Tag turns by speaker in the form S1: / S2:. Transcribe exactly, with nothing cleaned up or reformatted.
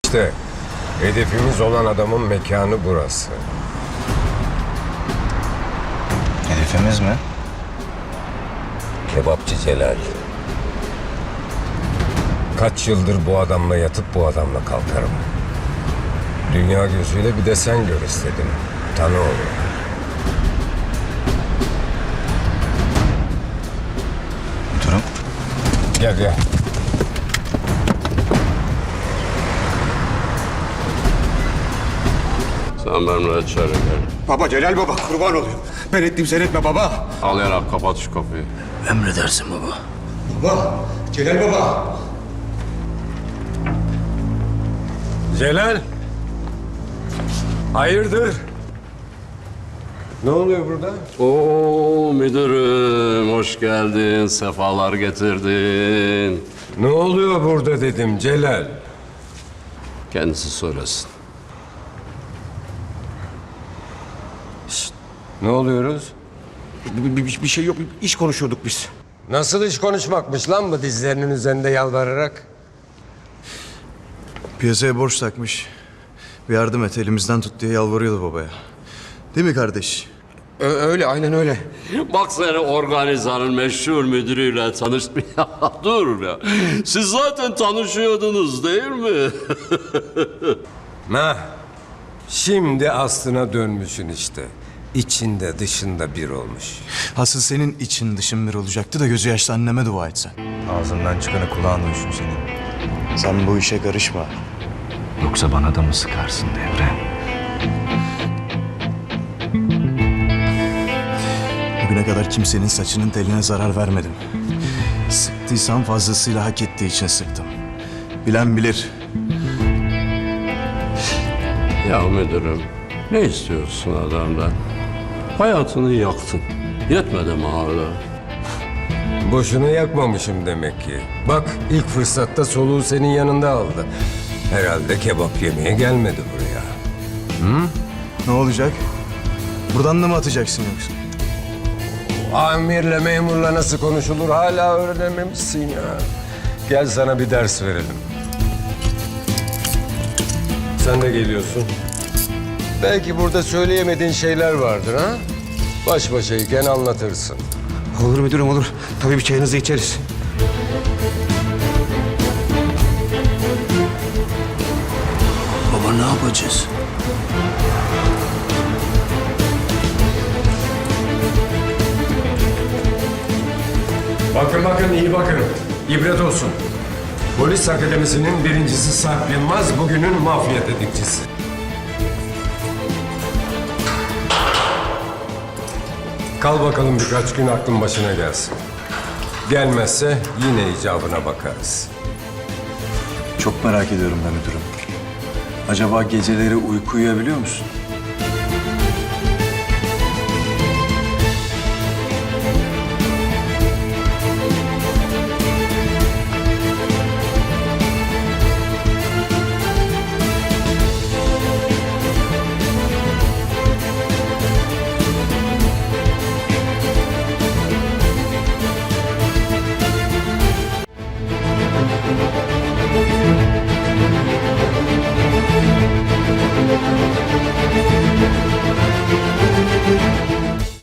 S1: İşte hedefimiz olan adamın mekanı burası.
S2: Hedefimiz mi?
S1: Kebapçı Celal. Kaç yıldır bu adamla yatıp bu adamla kalkarım. Dünya gözüyle bir de sen gör istedim. Tanı oğlum.
S2: Durum.
S1: Gel gel.
S3: Sen benimle içeri gel.
S4: Baba Celal baba kurban olayım. Ben ettim sen etme baba.
S3: Ağlayarak kapat şu kapıyı.
S2: Emredersin baba.
S4: Baba Celal baba.
S1: Celal. Hayırdır? Ne oluyor burada?
S3: Oo müdürüm, hoş geldin, sefalar getirdin.
S1: Ne oluyor burada dedim Celal.
S3: Kendisi söylesin.
S1: Ne oluyoruz?
S4: Bir, bir, bir şey yok. İş konuşuyorduk biz.
S1: Nasıl iş konuşmakmış lan bu dizlerinin üzerinde yalvararak?
S5: Piyasaya borç takmış. Bir yardım et, elimizden tut diye yalvarıyordu babaya. Değil mi kardeş?
S4: Ö- öyle aynen öyle.
S3: Bak seni organizanın meşhur müdürüyle tanıştırmaya dur ya. Siz zaten tanışıyordunuz değil mi?
S1: Ha, şimdi aslına dönmüşsün işte. İçinde dışında bir olmuş.
S5: Asıl senin için dışın bir olacaktı da gözü yaşlı anneme dua et sen. Ağzından çıkanı kulağın duysun senin. Sen bu işe karışma.
S2: Yoksa bana da mı sıkarsın Devre?
S5: Bugüne kadar kimsenin saçının teline zarar vermedim. Sıktıysam fazlasıyla hak ettiği için sıktım. Bilen bilir.
S3: Ya müdürüm, ne istiyorsun adamdan? Hayatını yaktın. Yetmedi mi hala?
S1: Boşuna yakmamışım demek ki. Bak ilk fırsatta soluğu senin yanında aldı. Herhalde kebap yemeye gelmedi buraya.
S5: Ne olacak? Buradan da mı atacaksın yoksa?
S1: Amirle memurla nasıl konuşulur hala öğrenememişsin ya. Gel sana bir ders verelim. Sen de geliyorsun. Belki burada söyleyemediğin şeyler vardır ha? Baş başayken anlatırsın.
S4: Olur müdürüm olur. Tabii bir çayınızı içeriz.
S2: Baba ne yapacağız?
S1: Bakın bakın iyi bakın. İbret olsun. Polis Akademisi'nin birincisi Sarp Yılmaz bugünün mafya tetikçisi. Kal bakalım birkaç gün aklın başına gelsin. Gelmezse yine icabına bakarız.
S5: Çok merak ediyorum ben müdürüm. Acaba geceleri uyku uyuyabiliyor musun?